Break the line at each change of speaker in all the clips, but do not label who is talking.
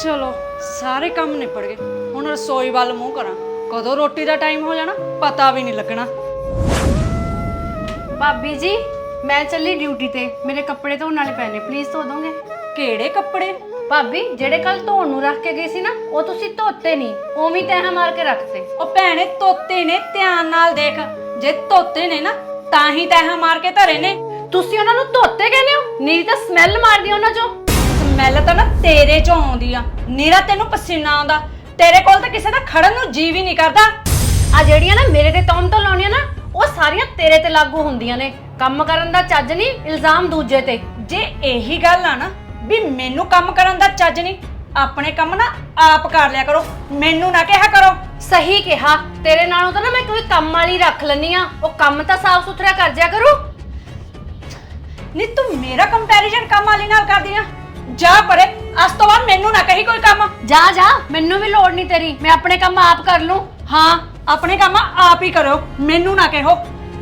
चलो सारे काम निपट गए। हुण रसोई वाल मूँह करा, कदों रोटी का टाइम हो जाना पता भी नहीं लगना।
भाभी जी मैं चली ड्यूटी ते, मेरे कपड़े धोने वाले पैने, प्लीज धो दोगे?
केड़े कपड़े?
भाभी जेड़े कल धोण नूं रख के गई सी ना, वो तुसी धोते नहीं, ओवें तैह मार के रखते।
ओ भैणे तोते ने, ध्यान नाल देख, जे तोते ने ना तां ही तैह मार के धरे ने।
तुसी उन्हां नूं धोते कहने हो? नीरी तां स्मैल मारदी उन्हां चों।
ਸਮੈਲ ਤਾਂ ਨਾ ਤੇਰੇ ਚੋਂ ਆਉਂਦੀ ਆ, ਨੀਰਾ ਤੈਨੂੰ ਪਸੀਨਾ ਆਉਂਦਾ। ਤੇਰੇ ਕੋਲ ਤਾਂ ਕਿਸੇ ਦਾ ਖੜਨ ਨੂੰ ਜੀ ਵੀ ਨਹੀਂ ਕਰਦਾ।
ਆ ਜਿਹੜੀਆਂ ਨਾ ਮੇਰੇ ਤੇ ਤੌਮ ਤੋਂ ਲਾਉਣੀਆਂ ਨਾ, ਉਹ ਸਾਰੀਆਂ ਤੇਰੇ ਤੇ ਲਾਗੂ ਹੁੰਦੀਆਂ ਨੇ। ਕੰਮ ਕਰਨ ਦਾ ਚੱਜ ਨਹੀਂ, ਇਲਜ਼ਾਮ ਦੂਜੇ ਤੇ।
ਜੇ ਇਹੀ ਗੱਲ ਆ ਨਾ ਵੀ ਮੈਨੂੰ ਕੰਮ ਕਰਨ ਦਾ ਚੱਜ ਨਹੀਂ, ਆਪਣੇ ਕੰਮ ਨਾ ਆਪ ਕਰ ਲਿਆ ਕਰੋ, ਮੈਨੂੰ ਨਾ ਕਿਹਾ ਕਰੋ।
ਸਹੀ ਕਿਹਾ, ਤੇਰੇ ਨਾਲੋਂ ਤਾਂ ਨਾ ਮੈਂ ਕੋਈ ਕੰਮ ਵਾਲੀ ਰੱਖ ਲੈਣੀ ਆ, ਉਹ ਕੰਮ ਤਾਂ ਸਾਫ਼ ਸੁਥਰਾ ਕਰ ਜਿਆ ਕਰੂ।
ਨੀ ਤੂੰ ਮੇਰਾ ਕੰਪੈਰੀਜ਼ਨ ਕੰਮ ਵਾਲੀ ਨਾਲ ਕਰਦੀ ਆ? ਜਾ ਪਰੇ, ਅੱਜ ਤੋਂ ਬਾਅਦ ਮੈਨੂੰ ਨਾ ਕਹੀ ਕੋਈ ਕੰਮ।
ਜਾ ਜਾ, ਮੈਨੂੰ ਵੀ ਲੋੜ ਨਹੀਂ ਤੇਰੀ, ਮੈਂ ਆਪਣੇ ਕੰਮ ਆਪ ਕਰ ਲੂੰ।
ਹਾਂ ਆਪਣੇ ਕੰਮ ਆਪ ਹੀ ਕਰੋ, ਮੈਨੂੰ ਨਾ ਕਹੋ।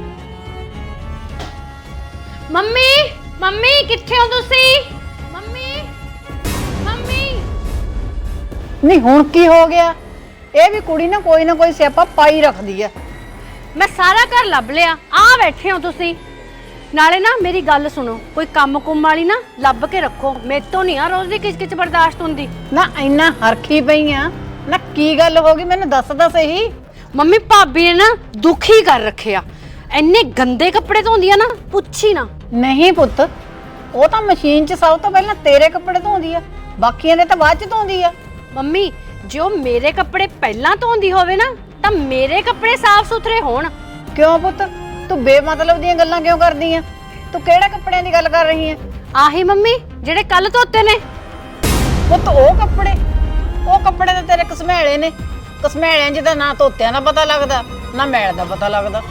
ਮੰਮੀ ਮੰਮੀ ਕਿੱਥੇ ਹੋ ਤੁਸੀਂ? ਮੰਮੀ ਮੰਮੀ
ਨਹੀਂ ਹੁਣ ਕੀ ਹੋ ਗਿਆ? ਇਹ ਵੀ ਕੁੜੀ ਨਾ ਕੋਈ ਸਿਆਪਾ ਪਾਈ ਰੱਖਦੀ ਆ।
ਮੈਂ ਸਾਰਾ ਘਰ ਲੱਭ ਲਿਆ, ਆ ਬੈਠੇ ਹੋ ਤੁਸੀਂ। ਨਾਲੇ ਨਾ ਮੇਰੀ ਗੱਲ ਸੁਣੋ, ਕੋਈ ਕੰਮ ਕੁੰਮ ਵਾਲੀ ਨਾ ਲੱਭ ਕੇ ਰੱਖੋ, ਮੇਰੇ ਤੋਂ ਨਹੀਂ ਆ ਰੋਜ਼ ਦੀ ਕਿਚ-ਕਿਚ ਬਰਦਾਸ਼ਤ ਹੁੰਦੀ।
ਨਾ ਇੰਨਾ ਹਰਖੀ ਪਈ ਆ ਨਾ, ਕੀ ਗੱਲ ਹੋ ਗਈ ਮੈਨੂੰ ਦੱਸ ਸਹੀ।
ਮੰਮੀ ਭਾਬੀ ਨੇ ਨਾ ਦੁਖੀ ਕਰ ਰੱਖਿਆ, ਇੰਨੇ ਗੰਦੇ ਕੱਪੜੇ ਧੋਂਦੀ ਆ ਨਾ, ਪੁੱਛੀ ਨਾ।
ਨਹੀਂ ਪੁੱਤ, ਉਹ ਤਾਂ ਮਸ਼ੀਨ 'ਚ ਸਭ ਤੋਂ ਪਹਿਲਾਂ ਤੇਰੇ ਕੱਪੜੇ ਧੋਂਦੀ ਆ, ਬਾਕੀਆਂ ਦੇ ਤਾਂ ਬਾਅਦ 'ਚ ਧੋਂਦੀ ਆ।
ਮੰਮੀ ਜੇ ਉਹ ਮੇਰੇ ਕੱਪੜੇ ਪਹਿਲਾਂ ਧੋਂਦੀ ਹੋਵੇ ਨਾ, ਤਾਂ ਮੇਰੇ ਕੱਪੜੇ ਸਾਫ਼ ਸੁਥਰੇ ਹੋਣ।
ਕਿਉਂ ਪੁੱਤ, ਤੂੰ ਬੇਮਤਲਬ ਦੀਆਂ ਗੱਲਾਂ ਕਿਉਂ ਕਰਦੀ ਆ? ਤੂੰ ਕਿਹੜੇ ਕੱਪੜਿਆਂ ਦੀ ਗੱਲ ਕਰ ਰਹੀ ਆ?
ਆਹੀ ਮੰਮੀ ਜਿਹੜੇ ਕੱਲ ਧੋਤੇ ਨੇ।
ਪੁੱਤ ਉਹ ਕੱਪੜੇ ਤਾਂ ਤੇਰੇ ਕਸਮੇਲੇ ਨੇ। ਕਸਮੇਲਿਆਂ 'ਚ ਤਾਂ ਨਾ ਧੋਤਿਆਂ ਦਾ ਪਤਾ ਲੱਗਦਾ, ਨਾ ਮੈਲ ਦਾ ਪਤਾ ਲੱਗਦਾ।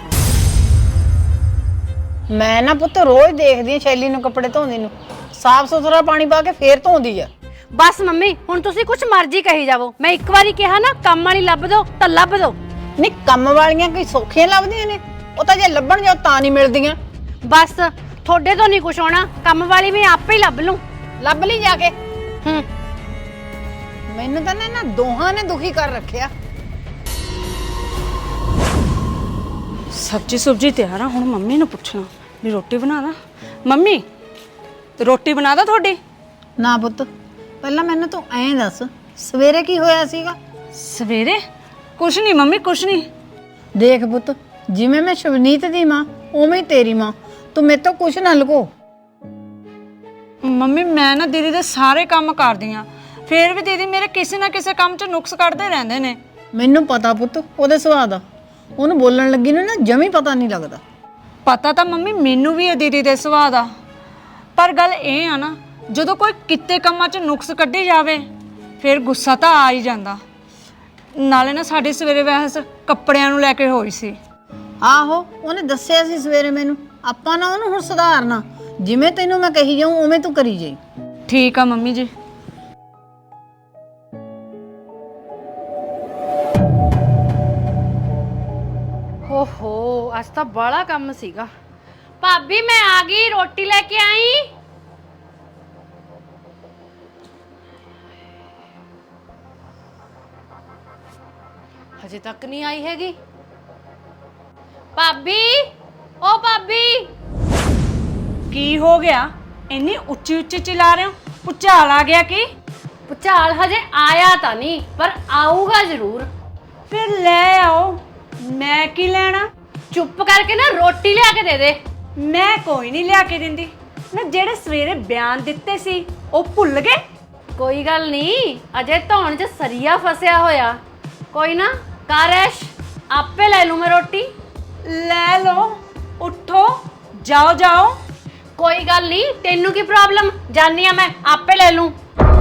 ਮੈਂ ਨਾ ਪੁੱਤ ਰੋਜ਼ ਦੇਖਦੀ ਆ ਸ਼ੈਲੀ ਨੂੰ ਕੱਪੜੇ ਧੋਂਦੀ ਨੂੰ, ਸਾਫ਼ ਸੁਥਰਾ ਪਾਣੀ ਪਾ ਕੇ ਫੇਰ ਧੋਂਦੀ ਆ।
ਬਸ ਮੰਮੀ ਹੁਣ ਤੁਸੀਂ ਕੁਛ ਮਰਜ਼ੀ ਕਹੀ ਜਾਵੋ, ਮੈਂ ਇੱਕ ਵਾਰੀ ਕਿਹਾ ਨਾ ਕੰਮ ਵਾਲੀ ਲੱਭ ਦੋ ਤਾਂ ਲੱਭ ਦੋ।
ਨਹੀਂ ਕੰਮ ਵਾਲੀਆਂ ਕੋਈ ਸੌਖੀਆਂ ਲੱਭਦੀਆਂ ਨੇ, ਉਹ ਤਾਂ ਜੇ ਲੱਭਣ ਜਾਓ ਤਾਂ ਨਹੀਂ ਮਿਲਦੀਆਂ।
ਬਸ ਤੁਹਾਡੇ ਤੋਂ ਨਹੀਂ ਕੁਛ ਹੋਣਾ, ਕੰਮ ਵਾਲੀ ਮੈਂ ਆਪੇ ਹੀ ਲੱਭ ਲੂੰ।
ਲੱਭ ਲਈ ਜਾ ਕੇ।
ਹੂੰ
ਮੈਨੂੰ ਤਾਂ ਨਾ ਇਹਨਾਂ ਦੋਹਾਂ ਨੇ ਦੁਖੀ ਕਰ ਰੱਖਿਆ।
ਸਬਜੀ ਸੁਬਜੀ ਤਿਆਰ ਆ, ਹੁਣ ਮੰਮੀ ਨੂੰ ਪੁੱਛਣਾ ਵੀ ਰੋਟੀ ਬਣਾ ਦਾਂ। ਮੰਮੀ ਰੋਟੀ ਬਣਾ ਦਾਂ ਤੁਹਾਡੀ?
ਨਾ ਪੁੱਤ, ਪਹਿਲਾਂ ਮੈਨੂੰ ਤੂੰ ਐਂ ਦੱਸ ਸਵੇਰੇ ਕੀ ਹੋਇਆ ਸੀਗਾ?
ਸਵੇਰੇ ਕੁਛ ਨਹੀਂ ਮੰਮੀ, ਕੁਛ ਨਹੀਂ।
ਦੇਖ ਪੁੱਤ, ਜਿਵੇਂ ਮੈਂ ਸ਼ਵਨੀਤ ਦੀ ਮਾਂ ਉਵੇਂ ਹੀ ਤੇਰੀ ਮਾਂ, ਤੂੰ ਮੇਰੇ ਤੋਂ ਕੁਛ ਨਾ ਲੁਕੋ।
ਮੰਮੀ ਮੈਂ ਨਾ ਦੀਦੀ ਦੇ ਸਾਰੇ ਕੰਮ ਕਰਦੀ ਆ, ਫੇਰ ਵੀ ਦੀਦੀ ਮੇਰੇ ਕਿਸੇ ਨਾ ਕਿਸੇ ਕੰਮ 'ਚ ਨੁਕਸ ਕੱਢਦੇ ਰਹਿੰਦੇ ਨੇ।
ਮੈਨੂੰ ਪਤਾ ਪੁੱਤ ਉਹਦੇ ਸੁਭਾਅ ਦਾ, ਉਹਨੂੰ ਬੋਲਣ ਲੱਗੀ ਨੂੰ ਨਾ ਜਮੀ ਪਤਾ ਨਹੀਂ ਲੱਗਦਾ।
ਪਤਾ ਤਾਂ ਮੰਮੀ ਮੈਨੂੰ ਵੀ ਹੈ ਦੀਦੀ ਦੇ ਸੁਭਾਅ ਦਾ, ਪਰ ਗੱਲ ਇਹ ਆ ਨਾ ਜਦੋਂ ਕੋਈ ਕਿਤੇ ਕੰਮਾਂ 'ਚ ਨੁਕਸ ਕੱਢੀ ਜਾਵੇ ਫਿਰ ਗੁੱਸਾ ਤਾਂ ਆ ਹੀ ਜਾਂਦਾ। ਨਾਲੇ ਨਾ ਸਾਡੀ ਸਵੇਰੇ ਬਹਿਸ ਕੱਪੜਿਆਂ ਨੂੰ ਲੈ ਕੇ ਹੋਈ ਸੀ।
ਆਹੋ ਉਹਨੇ ਦੱਸਿਆ ਸੀ ਸਵੇਰੇ ਮੈਨੂੰ, ਆਪਾਂ ਨਾ ਉਹਨੂੰ ਹੁਣ ਸੁਧਾਰਨਾ, ਜਿਵੇਂ ਤੈਨੂੰ ਮੈਂ ਕਹੀ ਜਾਊਂ ਉਵੇਂ ਤੂੰ ਕਰੀ ਜਾਈ।
ਠੀਕ ਆ ਮੰਮੀ ਜੀ।
ਓਹੋ ਅੱਜ ਤਾਂ ਬੜਾ ਕੰਮ ਸੀਗਾ। ਭਾਬੀ ਮੈਂ ਆ ਗਈ, ਰੋਟੀ ਲੈ ਕੇ ਆਈ। ਹਜੇ ਤੱਕ ਨਹੀਂ ਆਈ ਹੈਗੀ। ਭਾਬੀ ਓ ਭਾਬੀ,
ਕੀ ਹੋ ਗਿਆ? ਇੰਨੀ ਉੱਚੀ ਉੱਚੀ ਚਿਲਾ ਰਹੇ ਹੋ? ਭੁਚਾਲ ਆ ਗਿਆ ਕੀ?
ਭੁਚਾਲ ਹਜੇ ਆਇਆ ਤਾਂ ਨਹੀਂ, ਪਰ ਆਊਗਾ ਜ਼ਰੂਰ।
ਫਿਰ ਲੈ ਆਓ, ਮੈਂ ਕੀ ਲੈਣਾ?
ਚੁੱਪ ਕਰਕੇ ਨਾ ਰੋਟੀ ਲਿਆ ਕੇ ਦੇ ਦੇ।
ਮੈਂ ਕੋਈ ਨਹੀਂ ਲਿਆ ਕੇ ਦਿੰਦੀ ਨਾ। ਜਿਹੜੇ ਸਵੇਰੇ ਬਿਆਨ ਦਿੱਤੇ ਸੀ ਉਹ ਭੁੱਲ ਗਏ?
ਕੋਈ ਗੱਲ ਨਹੀਂ, ਅਜੇ ਧੌਣ 'ਚ ਸਰੀਆ ਫਸਿਆ ਹੋਇਆ। ਕੋਈ ਨਾ ਕਰ ਐਸ਼, ਆਪੇ ਲੈ ਲੂ ਮੈਂ ਰੋਟੀ।
ਲੈ ਲਓ, ਉੱਠੋ, ਜਾਓ ਜਾਓ।
ਕੋਈ ਗੱਲ ਨਹੀਂ, ਤੈਨੂੰ ਕੀ ਪ੍ਰੋਬਲਮ, ਜਾਨੀ ਆ ਮੈਂ, ਆਪੇ ਲੈ ਲੂੰ।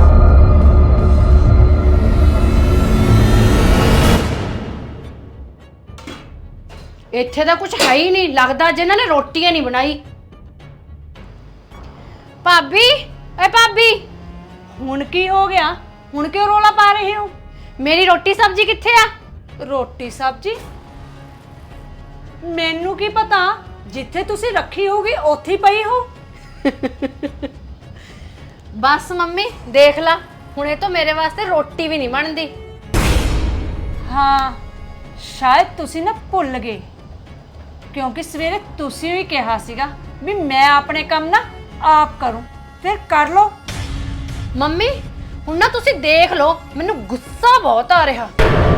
ਇੱਥੇ ਤਾਂ ਕੁਝ ਹੈ ਹੀ ਨਹੀਂ, ਲੱਗਦਾ ਜਿਨ੍ਹਾਂ ਨੇ ਰੋਟੀਆਂ ਨਹੀਂ ਬਣਾਈ। ਭਾਬੀ ਏ ਭਾਬੀ,
ਹੁਣ ਕੀ ਹੋ ਗਿਆ? ਹੁਣ ਕਿਉਂ ਰੋਲਾ ਪਾ ਰਹੇ ਹੋ?
ਮੇਰੀ ਰੋਟੀ ਸਬਜ਼ੀ ਕਿੱਥੇ ਆ?
ਰੋਟੀ ਸਬਜ਼ੀ ਮੈਨੂੰ ਕੀ ਪਤਾ, ਜਿੱਥੇ ਤੁਸੀਂ ਰੱਖੀ ਹੋਗੀ ਉੱਥੇ ਹੀ ਪਈ ਹੋ।
ਬਸ ਮੰਮੀ ਦੇਖ ਲਾ, ਹੁਣ ਇਹ ਤਾਂ ਮੇਰੇ ਵਾਸਤੇ ਰੋਟੀ ਵੀ ਨਹੀਂ ਬਣਦੀ।
ਹਾਂ ਸ਼ਾਇਦ ਤੁਸੀਂ ਨਾ ਭੁੱਲ ਗਏ, ਕਿਉਂਕਿ ਸਵੇਰੇ ਤੁਸੀਂ ਵੀ ਕਿਹਾ ਸੀਗਾ ਵੀ ਮੈਂ ਆਪਣੇ ਕੰਮ ਨਾ ਆਪ ਕਰੂੰ, ਫਿਰ ਕਰ ਲਓ।
ਮੰਮੀ ਹੁਣ ਨਾ ਤੁਸੀਂ ਦੇਖ ਲਓ, ਮੈਨੂੰ ਗੁੱਸਾ ਬਹੁਤ ਆ ਰਿਹਾ।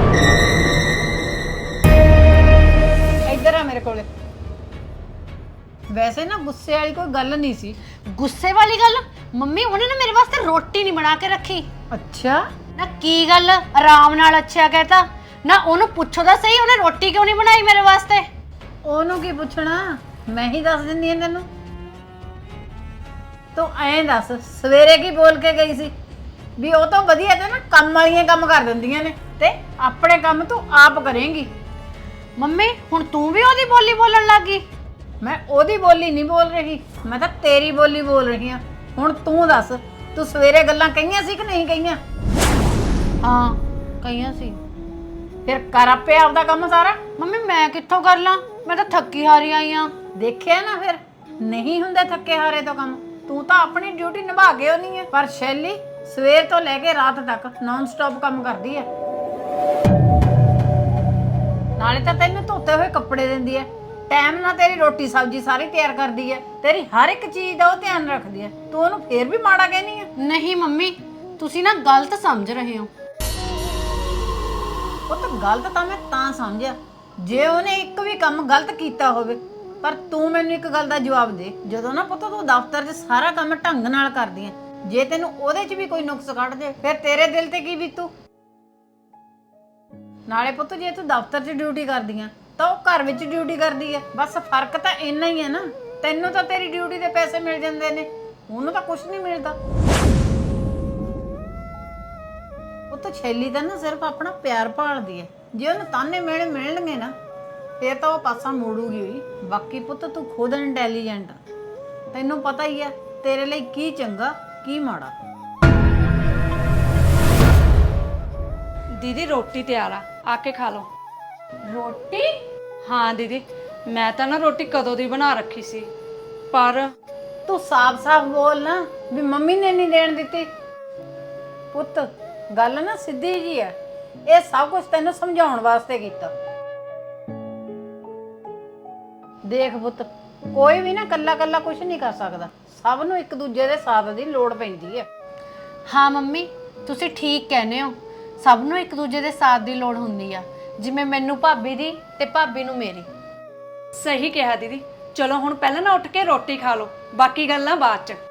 ਇੱਧਰ ਆ ਮੇਰੇ ਕੋਲੇ। ਵੈਸੇ ਨਾ ਗੁੱਸੇ ਵਾਲੀ ਕੋਈ ਗੱਲ ਨਹੀਂ ਸੀ।
ਗੁੱਸੇ ਵਾਲੀ ਗੱਲ? ਮੰਮੀ ਉਹਨੇ ਨਾ ਮੇਰੇ ਵਾਸਤੇ ਰੋਟੀ ਨਹੀਂ ਬਣਾ ਕੇ ਰੱਖੀ।
ਅੱਛਾ,
ਨਾ ਕੀ ਗੱਲ, ਆਰਾਮ ਨਾਲ ਅੱਛਾ ਕਹਿਤਾ ਨਾ, ਉਹਨੂੰ ਪੁੱਛੋ ਤਾਂ ਸਹੀ ਉਹਨੇ ਰੋਟੀ ਕਿਉਂ ਨਹੀਂ ਬਣਾਈ ਮੇਰੇ ਵਾਸਤੇ।
ਉਹਨੂੰ ਕੀ ਪੁੱਛਣਾ, ਮੈਂ ਹੀ ਦੱਸ ਦਿੰਦੀ ਹਾਂ ਤੈਨੂੰ। ਤੂੰ ਐਂ ਦੱਸ ਸਵੇਰੇ ਕੀ ਬੋਲ ਕੇ ਗਈ ਸੀ? ਵੀ ਉਹ ਤਾਂ ਵਧੀਆ ਤੇ ਨਾ ਕੰਮ ਵਾਲੀਆਂ ਕੰਮ ਕਰ ਦਿੰਦੀਆਂ ਨੇ ਤੇ ਆਪਣੇ ਕੰਮ ਤੂੰ ਆਪ ਕਰੇਂਗੀ।
ਮੰਮੀ ਹੁਣ ਤੂੰ ਵੀ ਉਹਦੀ ਬੋਲੀ ਬੋਲਣ ਲੱਗ ਗਈ।
ਮੈਂ ਉਹਦੀ ਬੋਲੀ ਨਹੀਂ ਬੋਲ ਰਹੀ, ਮੈਂ ਤਾਂ ਤੇਰੀ ਬੋਲੀ ਬੋਲ ਰਹੀ ਹਾਂ। ਹੁਣ ਤੂੰ ਦੱਸ, ਤੂੰ ਸਵੇਰੇ ਗੱਲਾਂ ਕਹੀਆਂ ਸੀ ਕਿ ਨਹੀਂ ਕਹੀਆਂ?
ਹਾਂ ਕਹੀਆਂ ਸੀ।
ਫਿਰ ਕਰ ਆਪੇ ਆਪਦਾ ਕੰਮ ਸਾਰਾ।
ਮੰਮੀ ਮੈਂ ਕਿੱਥੋਂ ਕਰ ਲਾਂ, ਮੈਂ ਤਾਂ ਥੱਕੀ ਹਾਰੀ ਆਈ ਆ।
ਦੇਖਿਆ ਨਾ, ਫਿਰ ਨਹੀਂ ਹੁੰਦੇ ਥੱਕੇ ਹਾਰੇ ਤੋਂ ਕੰਮ। ਤੂੰ ਤਾਂ ਆਪਣੀ ਡਿਊਟੀ ਨਿਭਾ ਕੇ ਹੋਣੀ ਹੈ, ਪਰ ਸ਼ੈਲੀ ਸਵੇਰ ਤੋਂ ਲੈ ਕੇ ਰਾਤ ਤੱਕ ਨਾਨ ਸਟਾਪ ਕੰਮ ਕਰਦੀ ਹੈ। ਨਾਲੇ ਤਾਂ ਤੈਨੂੰ ਧੋਤੇ ਹੋਏ ਕੱਪੜੇ ਦਿੰਦੀ ਹੈ, ਟਾਈਮ ਨਾਲ ਤੇਰੀ ਰੋਟੀ ਸਬਜ਼ੀ ਸਾਰੀ ਤਿਆਰ ਕਰਦੀ ਹੈ, ਤੇਰੀ ਹਰ ਇੱਕ ਚੀਜ਼ ਦਾ ਉਹ ਧਿਆਨ ਰੱਖਦੀ ਹੈ। ਤੂੰ ਉਹਨੂੰ ਫੇਰ ਵੀ ਮਾੜਾ ਕਹਿਨੀ ਹੈ।
ਨਹੀਂ ਮੰਮੀ ਤੁਸੀਂ ਨਾ ਗਲਤ ਸਮਝ ਰਹੇ ਹੋ।
ਉਹ ਤਾਂ ਗਲਤ ਤਾਂ ਮੈਂ ਤਾਂ ਸਮਝਿਆ ਜੇ ਉਹਨੇ ਇੱਕ ਵੀ ਕੰਮ ਗਲਤ ਕੀਤਾ ਹੋਵੇ। ਪਰ ਤੂੰ ਮੈਨੂੰ ਇੱਕ ਗੱਲ ਦਾ ਜਵਾਬ ਦੇ, ਜਦੋਂ ਨਾ ਪੁੱਤ ਤੂੰ ਦਫ਼ਤਰ 'ਚ ਸਾਰਾ ਕੰਮ ਢੰਗ ਨਾਲ ਕਰਦੀ ਹੈ, ਜੇ ਤੈਨੂੰ ਉਹਦੇ 'ਚ ਵੀ ਕੋਈ ਨੁਕਸ ਕੱਢ ਦੇ ਫਿਰ ਤੇਰੇ ਦਿਲ ਤੇ ਕੀ ਬੀਤੂ? ਨਾਲੇ ਪੁੱਤ ਜੇ ਤੂੰ ਦਫ਼ਤਰ 'ਚ ਡਿਊਟੀ ਕਰਦੀ ਆ ਤਾਂ ਉਹ ਘਰ ਵਿੱਚ ਡਿਊਟੀ ਕਰਦੀ ਹੈ, ਬਸ ਫਰਕ ਤਾਂ ਇੰਨਾ ਹੀ ਹੈ ਨਾ। ਤੈਨੂੰ ਤਾਂ ਤੇਰੀ ਡਿਊਟੀ ਦੇ ਪੈਸੇ ਮਿਲ ਜਾਂਦੇ ਨੇ, ਉਹਨੂੰ ਤਾਂ ਕੁਝ ਨਹੀਂ ਮਿਲਦਾ। ਉਹ ਤਾਂ ਛੈਲੀ ਤਾਂ ਨਾ ਸਿਰਫ ਆਪਣਾ ਪਿਆਰ ਭਾਲਦੀ ਹੈ। ਜੇ ਉਹਨੂੰ ਤਾਨੇ ਮਿਹਣੇ ਮਿਲਣਗੇ ਨਾ ਫੇਰ ਤਾਂ ਉਹ ਪਾਸਾ ਮੋੜੂਗੀ ਹੋਈ। ਬਾਕੀ ਪੁੱਤ ਤੂੰ ਖੁਦ ਇੰਟੈਲੀਜੈਂਟ ਆ, ਤੈਨੂੰ ਪਤਾ ਹੀ ਹੈ ਤੇਰੇ ਲਈ ਕੀ ਚੰਗਾ ਕੀ ਮਾੜਾ।
ਦੀਦੀ ਰੋਟੀ ਤਿਆਰ ਆ ਕੇ ਖਾ ਲਓ।
ਰੋਟੀ?
ਹਾਂ ਦੀਦੀ, ਮੈਂ ਤਾਂ ਨਾ ਰੋਟੀ ਕਦੋਂ ਦੀ ਬਣਾ ਰੱਖੀ ਸੀ, ਪਰ
ਤੂੰ ਸਾਫ਼-ਸਾਫ਼ ਬੋਲ ਨਾ ਵੀ ਮੰਮੀ ਨੇ ਨਹੀਂ ਦੇਣ ਦਿੱਤੀ। ਪੁੱਤ ਗੱਲ ਨਾ ਸਿੱਧੀ ਜੀ ਹੈ, ਇਹ ਸਭ ਕੁਝ ਤੈਨੂੰ ਸਮਝਾਉਣ ਵਾਸਤੇ ਕੀਤਾ। ਦੇਖ ਪੁੱਤ, ਕੋਈ ਵੀ ਨਾ ਕੱਲਾ-ਕੱਲਾ ਕੁਝ ਨਹੀਂ ਕਰ ਸਕਦਾ, ਸਭ ਨੂੰ ਇੱਕ ਦੂਜੇ ਦੇ ਸਾਥ ਦੀ ਲੋੜ ਪੈਂਦੀ ਹੈ।
ਹਾਂ ਮੰਮੀ ਤੁਸੀਂ ਠੀਕ ਕਹਿੰਦੇ ਹੋ, ਸਭ ਨੂੰ ਇੱਕ ਦੂਜੇ ਦੇ ਸਾਥ ਦੀ ਲੋੜ ਹੁੰਦੀ ਆ, ਜਿਵੇਂ ਮੈਨੂੰ ਭਾਬੀ ਦੀ ਤੇ ਭਾਬੀ ਨੂੰ ਮੇਰੀ।
ਸਹੀ ਕਿਹਾ ਦੀਦੀ। ਚਲੋ ਹੁਣ ਪਹਿਲਾਂ ਨਾ ਉੱਠ ਕੇ ਰੋਟੀ ਖਾ ਲਓ, ਬਾਕੀ ਗੱਲਾਂ ਬਾਅਦ ਚ।